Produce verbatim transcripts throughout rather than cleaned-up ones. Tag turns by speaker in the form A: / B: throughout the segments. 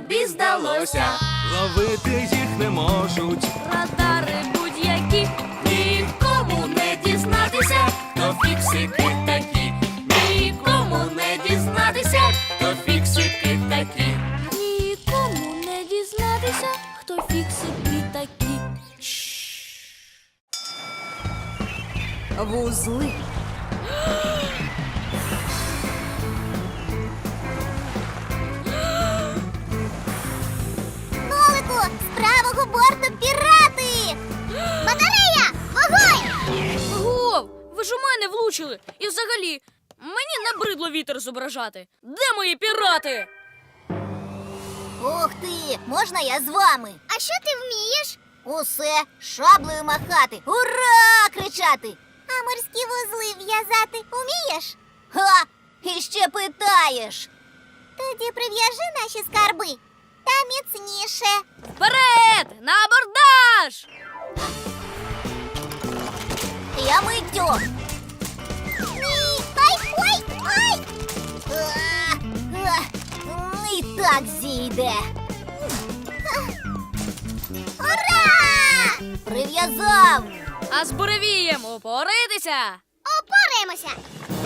A: тобі здалося.
B: Ловити їх не можуть.
A: Радари будь-які, нікому не дізнатися, хто фіксики такі. Нікому не дізнатися, хто фіксики такі. Нікому не дізнатися, хто фіксики такі.
C: Вузли.
D: Нолику, з правого борту пірати! Батарея! Вогонь!
A: Гов, ви ж у мене влучили. І взагалі, мені набридло вітер зображати. Де мої пірати?
D: Ух ти! Можна я з вами? А що ти вмієш? Усе, шаблею махати, ура! Кричати. А морські вузли в'язати вмієш? Ха! І ще питаєш. Тоді прив'яжи наші скарби. Та міцніше.
A: Вперед! На абордаж!
D: Я миттю. Ні, ай, ой, ай! А, а, І так зійде. Ура! Прив'язав!
A: А з буревієм упоритися!
D: Опораємося!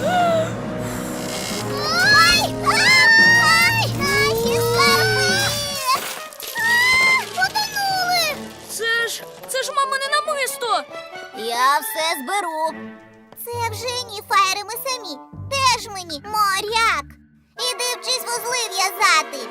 D: Ой! Ай! Наші скарби! А, потонули!
A: Це ж, це ж мамине намисто!
D: Я все зберу. Це вже ні, фаєри, ми самі. Теж мені моряк. Іди вчись вузли в'язати.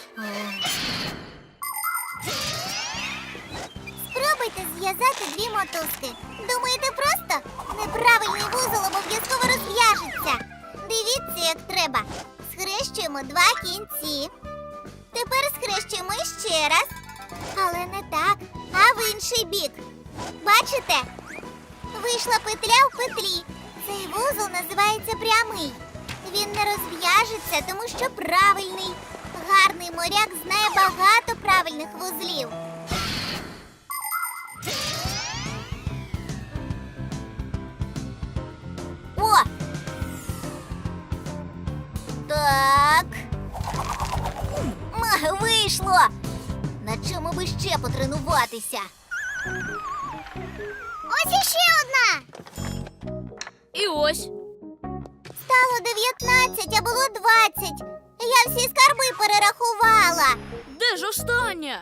D: Спробуйте зв'язати дві мотузки. Думаєте просто? Неправильний вузол обов'язково розв'яжеться. Дивіться, як треба. Схрещуємо два кінці. Тепер схрещуємо ще раз. Але не так, а в інший бік. Бачите? Вийшла петля в петлі. Цей вузол називається прямий. Він не розв'яжеться, тому що правильний. Гарний моряк знає багато правильних вузлів. О! Так. М, Вийшло! На чому би ще потренуватися? Ось іще одна!
A: І ось.
D: Стало дев'ятнадцять, а було двадцять. Я всі скарби перерахувала.
A: Де ж остання?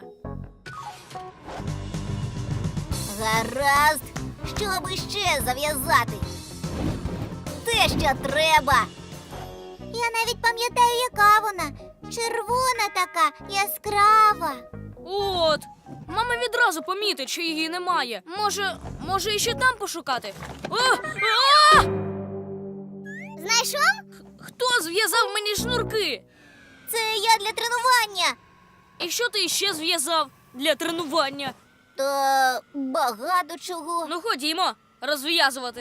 D: Гаразд, що би ще зав'язати? Те, що треба. Я навіть пам'ятаю, яка вона. Червона така, яскрава.
A: От. Мама відразу помітить, що її немає. Може, може іще там пошукати? О! А!
D: Знайшов?
A: Хто зв'язав мені шнурки?
D: Це я для тренування.
A: І що ти ще зв'язав для тренування?
D: Та багато чого.
A: Ну ходімо, розв'язувати.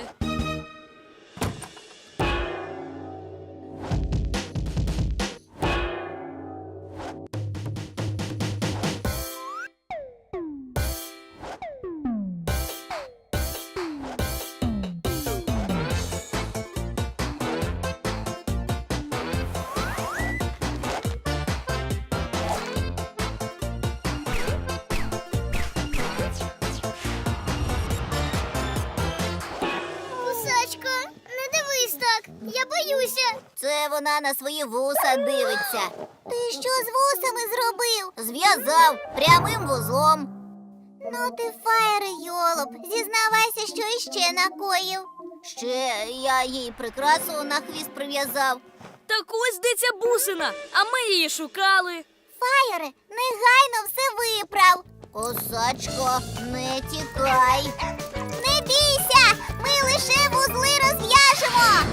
D: Гусачко, не дивись так, я боюся. Це вона на свої вуса дивиться. Ти що з вусами зробив? Зв'язав прямим вузлом. Ну ти, фаєре, йолоп, зізнавайся, що іще накоїв. Ще я їй прикрасу на хвіст прив'язав.
A: Так ось де ця бусина, а ми її шукали.
D: Фаєре, негайно все виправ. Косачко, не тікай. Не бійся, ми лише вузли розв'яжемо.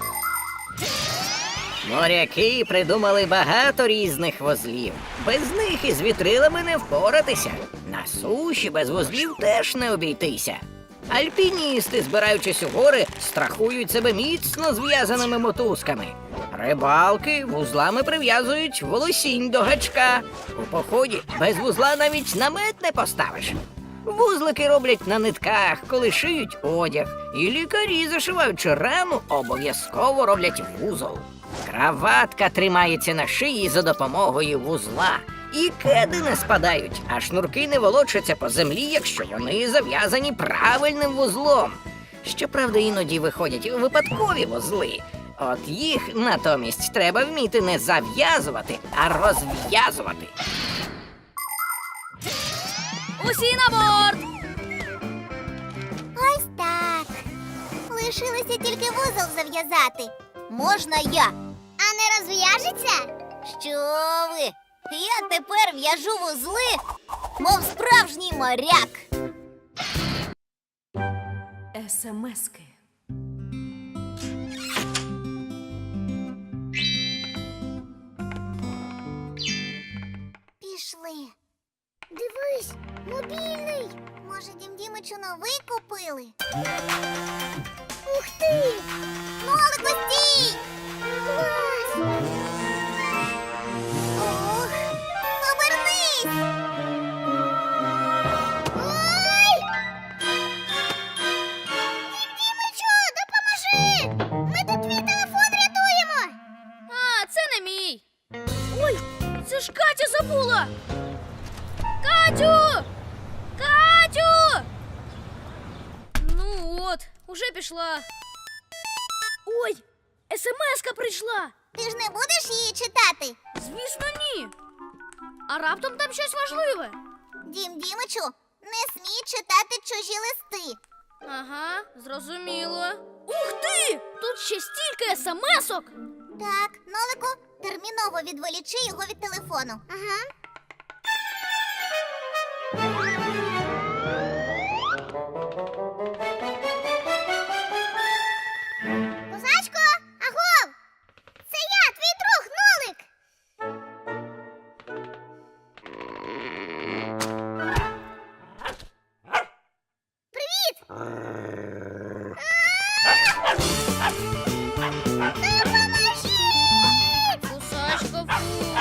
E: Моряки придумали багато різних вузлів. Без них із вітрилами не впоратися. На суші без вузлів теж не обійтися. Альпіністи, збираючись у гори, страхують себе міцно зв'язаними мотузками. Рибалки вузлами прив'язують волосінь до гачка. У поході без вузла навіть намет не поставиш. Вузлики роблять на нитках, коли шиють одяг. І лікарі, зашиваючи рану, обов'язково роблять вузол. Краватка тримається на шиї за допомогою вузла. І кеди не спадають, а шнурки не волочаться по землі, якщо вони зав'язані правильним вузлом. Щоправда, іноді виходять випадкові вузли. От їх натомість треба вміти не зав'язувати, а розв'язувати.
A: Усі на борт!
D: Ось так. Лишилося тільки вузол зав'язати. Можна я? А не розв'яжеться? Що ви? Я тепер в'яжу вузли, мов справжній моряк.
C: Есемески.
D: Пішли. Дивись, мобільний. Може, Дім Дімичу новий купили? Ух ти! Нолику, стій! Клас! Ох, обернись! Ой! Дім Дімичу, допоможи! Ми тут твій телефон рятуємо!
A: А, це не мій. Ой, це ж Катя забула. Катю! Катю! Ну от, уже пішла. Ой, смс-ка прийшла.
D: Ти ж не будеш її читати?
A: Звісно, ні. А раптом там щось важливе.
D: Дім Дімичу, не смій читати чужі листи.
A: Ага, зрозуміло. Ух ти! Тут ще стільки смс-ок.
D: Так, Нолику, терміново відволічи його від телефону. Ага. Козачко, агов! Це я, твій друг, Нолик! Привіт! Допоможіть!
A: Кусачка, фу.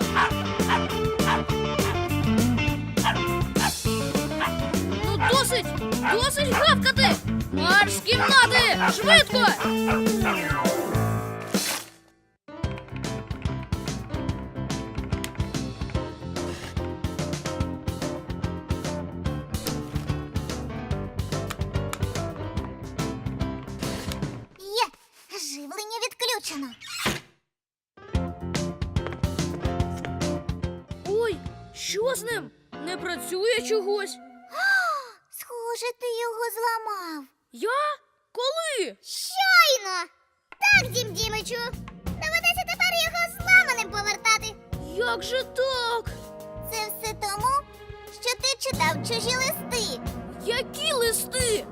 A: Ну досить! Досить гавкати! Марш з кімнати! Швидко!
D: Є, живлення відключено.
A: Ой, що з ним? Не працює чогось.
D: Схоже, ти його зламав.
A: Я? Коли?
D: Щойно! Так, Дім Дімичу. Доведеться тепер його зламаним повертати.
A: Як же так?
D: Це все тому, що ти читав чужі листи.
A: Які листи?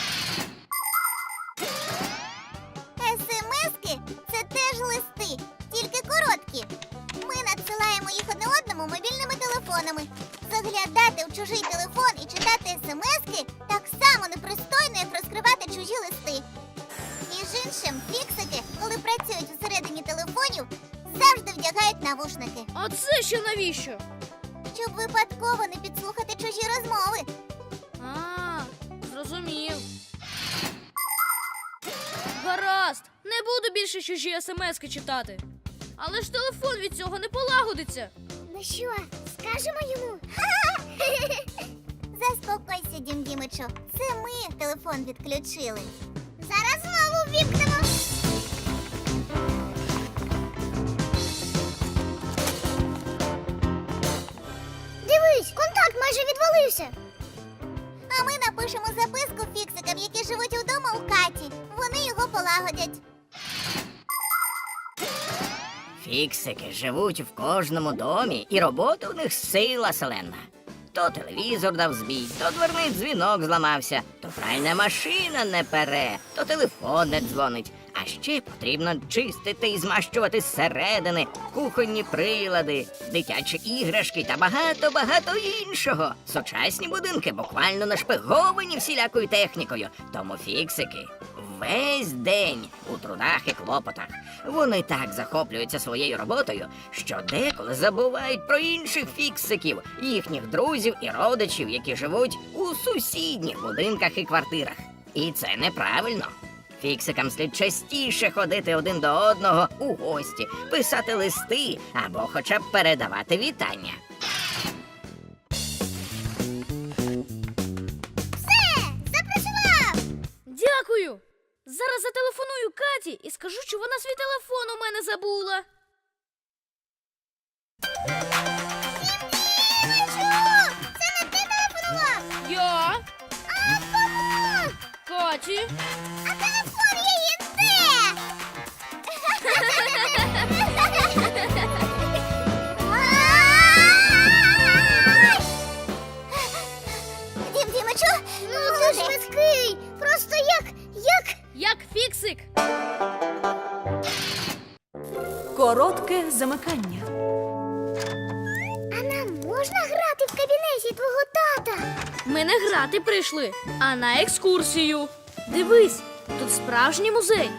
D: Есемески – це теж листи, тільки короткі. Ми надсилаємо їх одне одному мобільними телефонами. Заглядати в чужий телефон і читати есемески так само непристойно, як розкривати чужі листи. Між іншим, фіксики, коли працюють всередині телефонів, завжди вдягають навушники,
A: А це ще навіщо?
D: щоб випадково не підслухати чужі розмови.
A: А, зрозумів. Гаразд, не буду більше чужі смски читати. Але ж телефон від цього не полагодиться.
D: Ну що, скажемо йому? Заспокойся, Дім Дімичу. Це ми телефон відключили. Зараз знову ввімкнемо. Дивись, контакт майже відвалився. А ми напишемо записку фіксикам, які живуть вдома у Каті. Вони його полагодять.
E: Фіксики живуть в кожному домі, і робота у них сила селена. То телевізор дав збій, то дверний дзвінок зламався, то пральна машина не пере, то телефон не дзвонить. А ще потрібно чистити і змащувати зсередини, кухонні прилади, дитячі іграшки та багато-багато іншого. Сучасні будинки буквально нашпиговані всілякою технікою, тому фіксики весь день у трудах і клопотах. Вони так захоплюються своєю роботою, що деколи забувають про інших фіксиків, їхніх друзів і родичів, які живуть у сусідніх будинках і квартирах. І це неправильно. Фіксикам слід частіше ходити один до одного у гості, писати листи або хоча б передавати вітання.
A: Дякую. Зараз зателефоную Каті і скажу, що вона свій телефон у мене забула.
D: Це не ти телефонував!
A: Я?
D: А кому?
A: Каті?
D: А телефон її де? Ай! Дім Дімичу, ну ти швидкий, просто як, як...
A: Як фіксик.
C: Коротке замикання.
D: А нам можна грати в кабінеті твого тата?
A: Ми не грати прийшли, а на екскурсію. Дивись, тут справжній музей.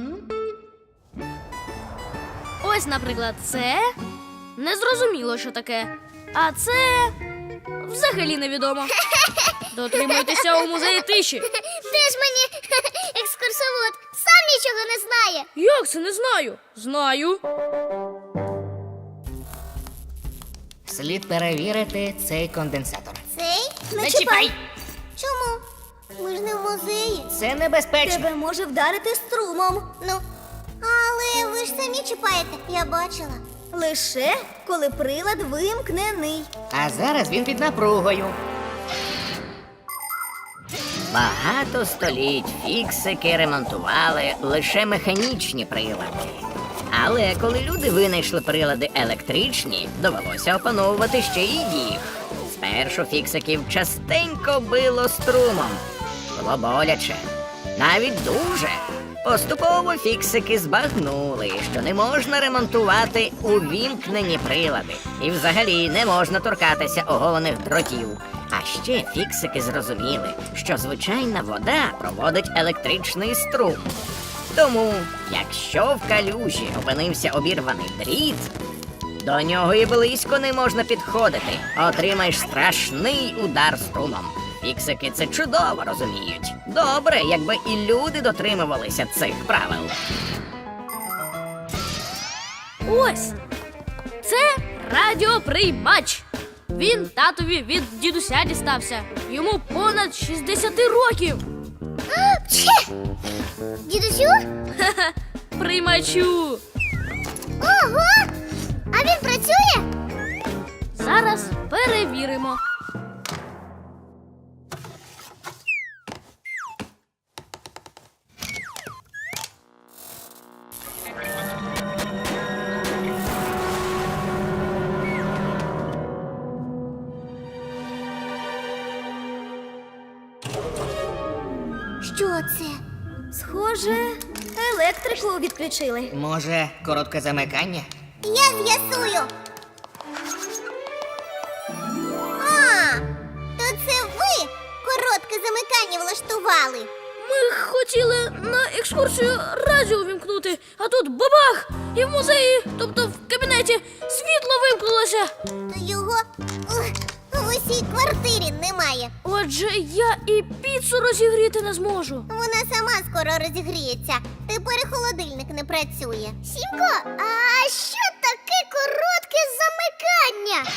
A: Ось, наприклад, це незрозуміло, що таке. А це взагалі невідомо. Дотримуйтеся у музеї тиші.
D: Де ж мені екскурсовод? Сам нічого не знає.
A: Як це не знаю? Знаю.
E: Слід перевірити цей конденсатор.
D: Цей?
A: Не чіпай!
D: Чому? Ми ж не в музеї.
E: Це небезпечно.
D: може вдарити струмом. Ну, але ви ж самі чіпаєте, я бачила. Лише коли прилад вимкнений.
E: А зараз він під напругою. Багато століть фіксики ремонтували лише механічні прилади. Але коли люди винайшли прилади електричні, довелося опановувати ще й їх. Спершу фіксиків частенько било струмом. Було боляче. Навіть дуже. Поступово фіксики збагнули, що не можна ремонтувати увімкнені прилади. І взагалі не можна торкатися оголених дротів. А ще фіксики зрозуміли, що звичайна вода проводить електричний струм. Тому, якщо в калюжі опинився обірваний дріт, до нього і близько не можна підходити. Отримаєш страшний удар струмом. Фіксики це чудово розуміють. Добре, якби і люди дотримувалися цих правил.
A: Ось. Це радіоприймач. Він татові від дідуся дістався. Йому понад шістдесят років.
D: Пче! Дідусю?
A: Ха-ха, приймачу.
D: Ого! А він працює?
A: Зараз перевіримо.
D: Що це? Схоже, електрику відключили.
E: Може, коротке замикання?
D: Я з'ясую. А, то це ви коротке замикання влаштували.
A: Ми хотіли на екскурсію радіо вімкнути, а тут бабах! І в музеї, тобто в кабінеті, світло вимкнулося.
D: То його ух, в усій квартирі немає.
A: Отже, я і піцу розігріти не зможу.
D: Вона сама скоро розігріється. Тепер і холодильник не працює. Сімко, а що таке коротке замикання?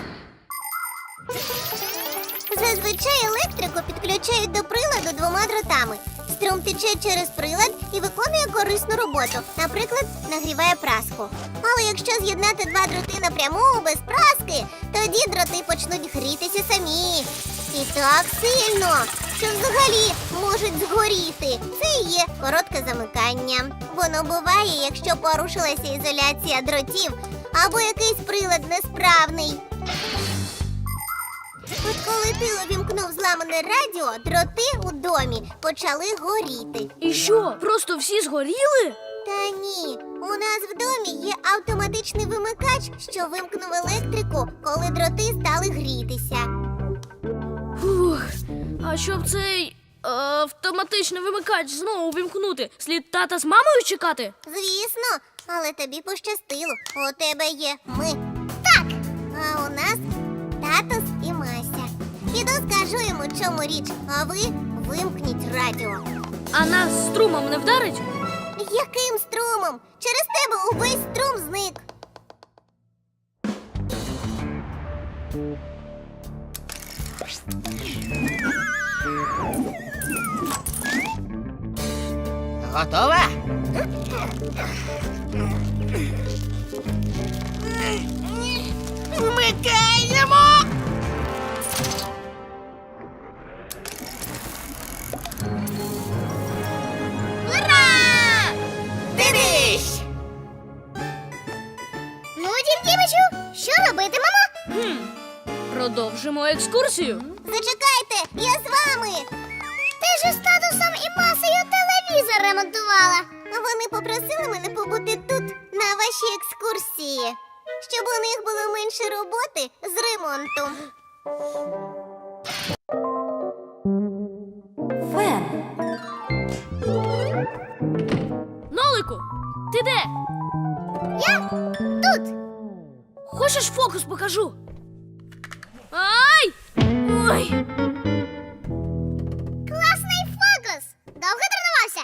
D: Зазвичай електрику підключають до приладу двома дротами. Струм тече через прилад і виконує корисну роботу. Наприклад, нагріває праску. Але якщо з'єднати два дроти напряму без праски, тоді дроти почнуть грітися самі. І так сильно, що взагалі можуть згоріти. Це і є коротке замикання. Воно буває, якщо порушилася ізоляція дротів або якийсь прилад несправний. От коли ти увімкнув зламане радіо, дроти у домі почали горіти.
A: І що, просто всі згоріли?
D: Та ні, у нас в домі є автоматичний вимикач, що вимкнув електрику, коли дроти стали грітися.
A: Фух, а щоб цей е, автоматичний вимикач знову вимкнути, слід тата з мамою чекати?
D: Звісно, але тобі пощастило. У тебе є ми. Так, а у нас татус і Мася. Піду скажу йому, чому річ, а ви вимкніть радіо.
A: А нас струмом не вдарить?
D: Яким струмом? Через тебе увесь струм зник.
E: Готова? Вмикаємо!
D: Ура!
E: Дивись!
D: Ну, Дім Дімичу, що робитимемо?
A: Хм. Продовжимо екскурсію.
D: Зачекайте, я з вами. Ти ж з татусом і масою телевізор ремонтувала. Вони попросили мене побути тут на вашій екскурсії, щоб у них було менше роботи з ремонтом.
C: Фен.
A: Нолику, ти де?
D: Я тут.
A: Хочеш фокус покажу? Ай! Ой!
D: Класний фокус. Довго тренувався?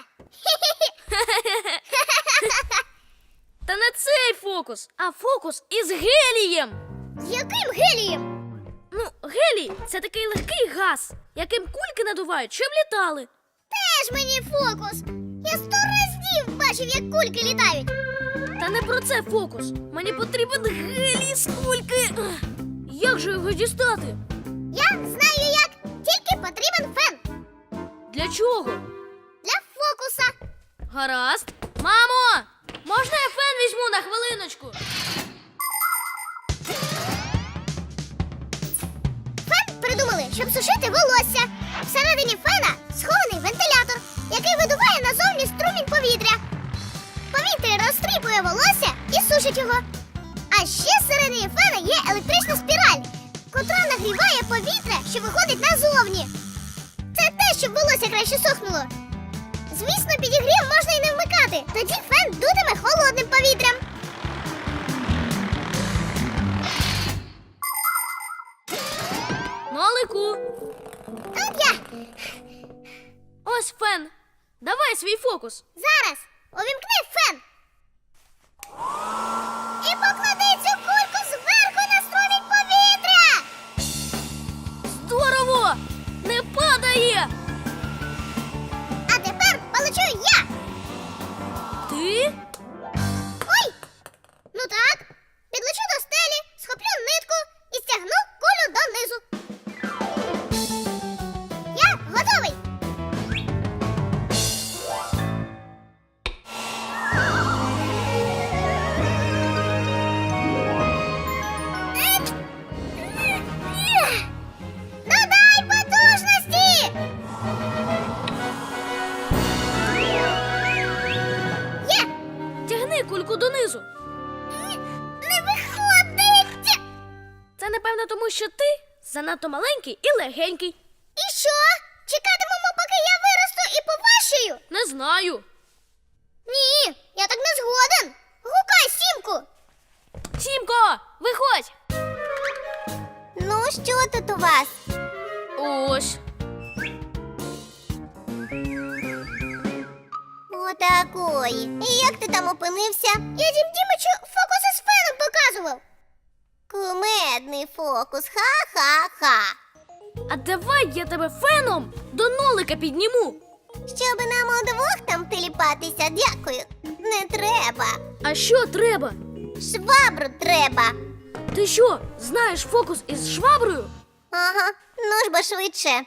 A: Та не цей фокус, а фокус із гелієм.
D: З яким гелієм?
A: Ну, гелій це такий легкий газ, яким кульки надувають, щоб літали.
D: Теж мені фокус. Я сто разів бачив, як кульки літають.
A: Та не про це фокус. Мені потрібен гелій з кульки. Ех, Як же його дістати?
D: Я знаю як. Тільки потрібен фен.
A: Для чого?
D: Для фокуса.
A: Гаразд. Мамо! Можна я фен візьму на хвилиночку?
D: Фен придумали, щоб сушити волосся. Всередині фена схований вентилятор, який видуває назовні струмінь повітря. Повітря розтріпує волосся і сушить його. А ще всередині фена є електрична спіраль, котра нагріває повітря, що виходить назовні. Це те, щоб волосся краще сохнуло. Звісно, підігрів можна і не вмикати. Тоді фен дутиме холодним повітрям.
A: Нолику,
D: Тут я.
A: ось фен. Давай свій фокус.
D: Зараз увімкни фен. І поклади цю кульку зверху на струмінь повітря.
A: Здорово! Не падає!
D: А тепер полечу я.
A: Ти?
D: Ой! Ну так, підлечу до стелі, схоплю нитку і стягну кулю донизу. Я готовий. Додай потужності! Є!
A: Тягни кульку донизу.
D: Не виходить!
A: Це напевно тому, що ти занадто маленький і легенький.
D: І що? Чекатимемо, поки я виросту і поважчаю?
A: Не знаю.
D: Ні, я так не згоден. Гукай Сімку.
A: Сімко, виходь!
D: Ну, що тут у вас?
A: Ось.
D: Отакої. І як ти там опинився? Я Дім Дімичу фокуси з феном показував. Кумедний фокус. Ха-ха-ха.
A: А давай я тебе феном до нолика підніму.
D: Щоб нам удвох там теліпатися, дякую. Не треба.
A: А що треба?
D: Швабру треба.
A: Ти що, знаєш фокус із шваброю?
D: Ага, ну ж бо швидше.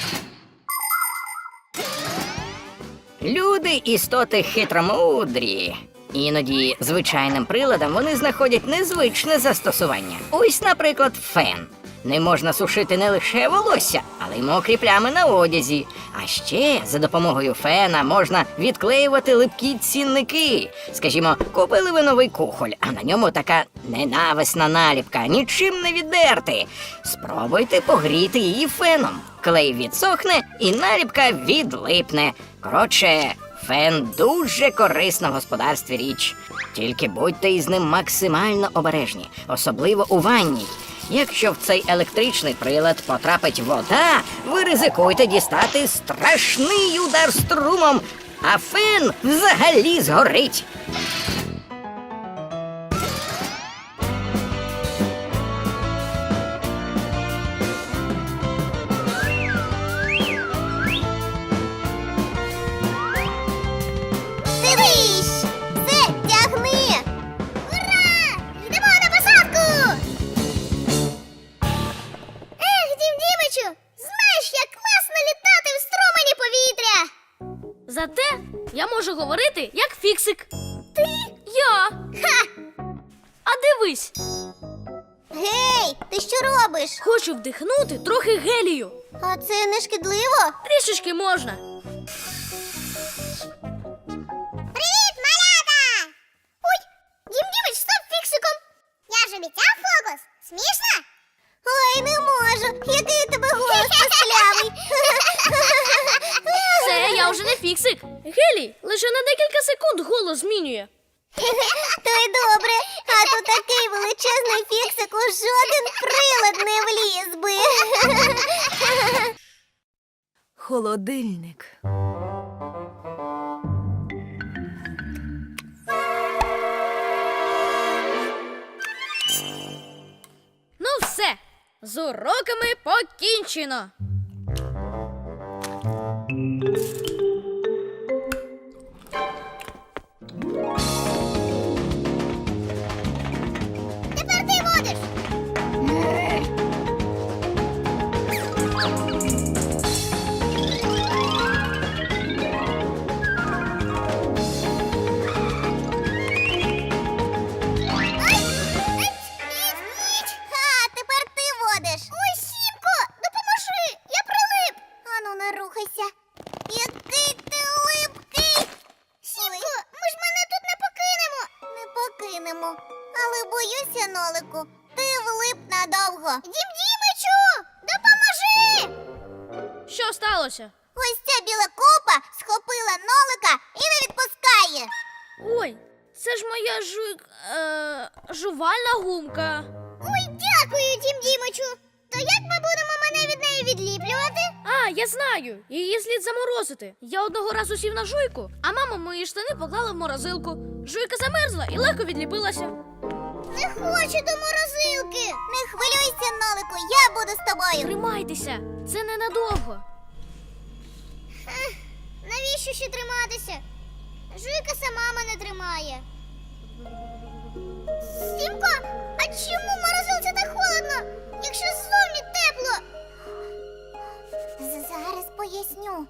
E: Люди істоти хитромудрі. Іноді звичайним приладам вони знаходять незвичне застосування. Ось, наприклад, фен. Не можна сушити не лише волосся, але й мокрі плями на одязі. А ще за допомогою фена можна відклеювати липкі цінники. Скажімо, купили ви новий кухоль, а на ньому така ненависна наліпка, нічим не віддерти. Спробуйте погріти її феном. Клей відсохне і наліпка відлипне. Коротше, фен дуже корисна в господарстві річ. Тільки будьте із ним максимально обережні, особливо у ванні. Якщо в цей електричний прилад потрапить вода, ви ризикуєте дістати страшний удар струмом, а фен взагалі згорить.
A: Я можу говорити як фіксик. Ти? Я.
D: Ха!
A: А дивись,
D: Гей, ти що робиш?
A: хочу вдихнути трохи гелію.
D: А це не шкідливо?
A: Трішечки можна.
D: Привіт, малята! Ой, Дім Дімич, стоп фіксиком! Я ж обіцяв фокус. Смішно? Ой, не можу. Який у тебе голос писклявий.
A: Це я вже не фіксик. Гелій лише на декілька секунд голос змінює.
D: То й добре. А то такий величезний фіксик у жоден прилад не вліз би.
C: Холодильник.
A: Ну все, з уроками покінчено.
D: Тепер ти водиш. Ха, тепер ти водиш. Ой, Сімко, допоможи, я прилип. Ану, не рухайся. Який ти липкий. Сімко, ми ж мене тут не покинемо. Не покинемо. Але боюся, Нолику, ти влип надовго. Дім Дімичу, допоможи!
A: Що сталося?
D: Ось ця біла копа схопила Нолика і не відпускає.
A: Ой, це ж моя жу... Е... жувальна гумка.
D: Ой, дякую, Дім Дімичу. То як ми будемо мене від неї відліплювати?
A: А, я знаю. Її слід заморозити. Я одного разу сів на жуйку, а мама мої штани поклала в морозилку. Жуйка замерзла і легко відліпилася.
D: Не хочу до морозилки. Не хвилюйся, Нолику, я буду з тобою.
A: Тримайтеся, це ненадовго.
D: Ех, навіщо ще триматися? Жуйка сама мене тримає. Сімко, а чому в морозилці так холодно, якщо ззовні тепло? Зараз поясню.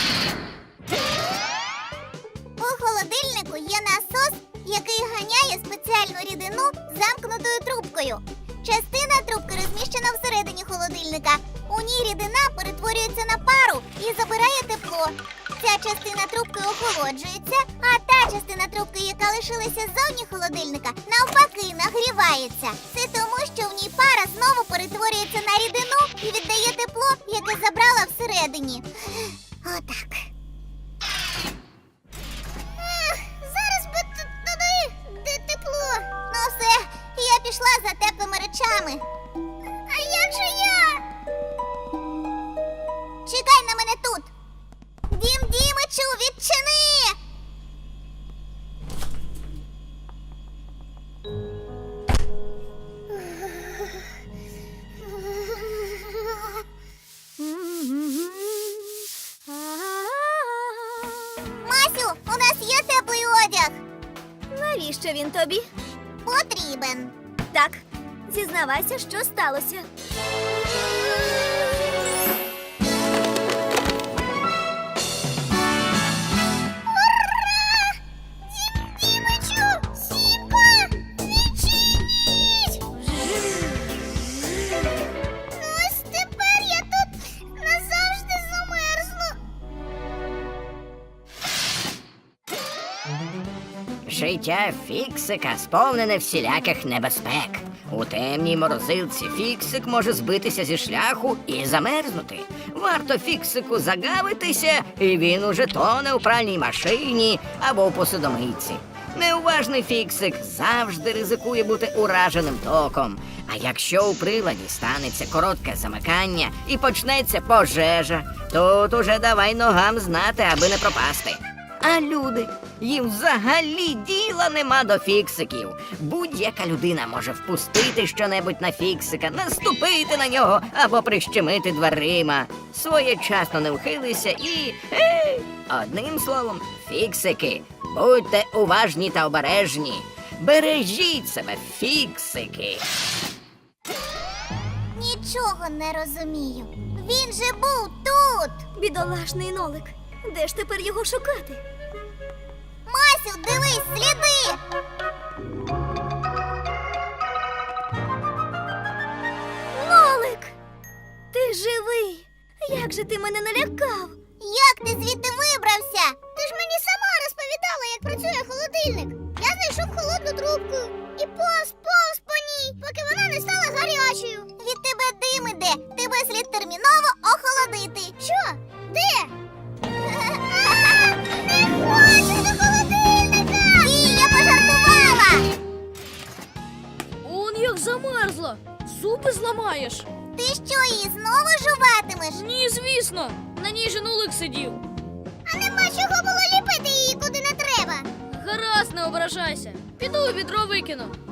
D: У холодильнику є насос, який ганяє спеціальну рідину замкнутою трубкою. Частина трубки розміщена всередині холодильника. У ній рідина перетворюється на пару і забирає тепло. Ця частина трубки охолоджується, а та частина трубки, яка лишилася ззовні холодильника, навпаки нагрівається. Це тому, що в ній пара знову перетворюється на рідину і віддає тепло, яке забрала всередині. Отак. Ех, зараз би т- туди, де тепло. Ну все, я пішла за теплими речами. А як же я? Чекай на мене тут. Дім Дімичу, відчини! Масю, у нас є теплий одяг.
C: Навіщо він тобі?
D: Потрібен.
C: Так, зізнавайся, що сталося.
D: Дімичу, Сімко, відчиніть! Ну ось тепер я тут назавжди замерзну.
E: Життя фіксика сповнене всіляких небезпек. У темній морозилці фіксик може збитися зі шляху і замерзнути. Варто фіксику загавитися, і він уже тоне у пральній машині або у посудомийці. Неуважний фіксик завжди ризикує бути ураженим током. А якщо у приладі станеться коротке замикання і почнеться пожежа, тут уже давай ногам знати, аби не пропасти. А люди, їм взагалі діла нема до фіксиків. Будь-яка людина може впустити щонебудь на фіксика, наступити на нього або прищемити дверима. Своєчасно не вхилися і... Ей! Одним словом, фіксики, будьте уважні та обережні. Бережіть себе, фіксики.
D: Нічого не розумію. Він же був тут.
C: Бідолашний Нолик. Де ж тепер його шукати?
D: дивись, сліди!
C: Нолик! Ти живий! Як же ти мене налякав?
D: Як ти звідти вибрався? Ти ж мені сама розповідала, як працює холодильник. Я знайшов холодну трубку і повз, повз по ній, поки вона не стала гарячою. Від тебе дим іде, тебе слід терміново охолодити. Що? Де? Не хочу до холодильника! Ні, я пожартувала!
A: Он як замерзла. Зуби зламаєш.
D: Ти що, її знову жуватимеш?
A: Ні, звісно. На ній же нулик сидів.
D: А нема чого було ліпити її куди не треба.
A: Гаразд, не ображайся. Піду у відро викину.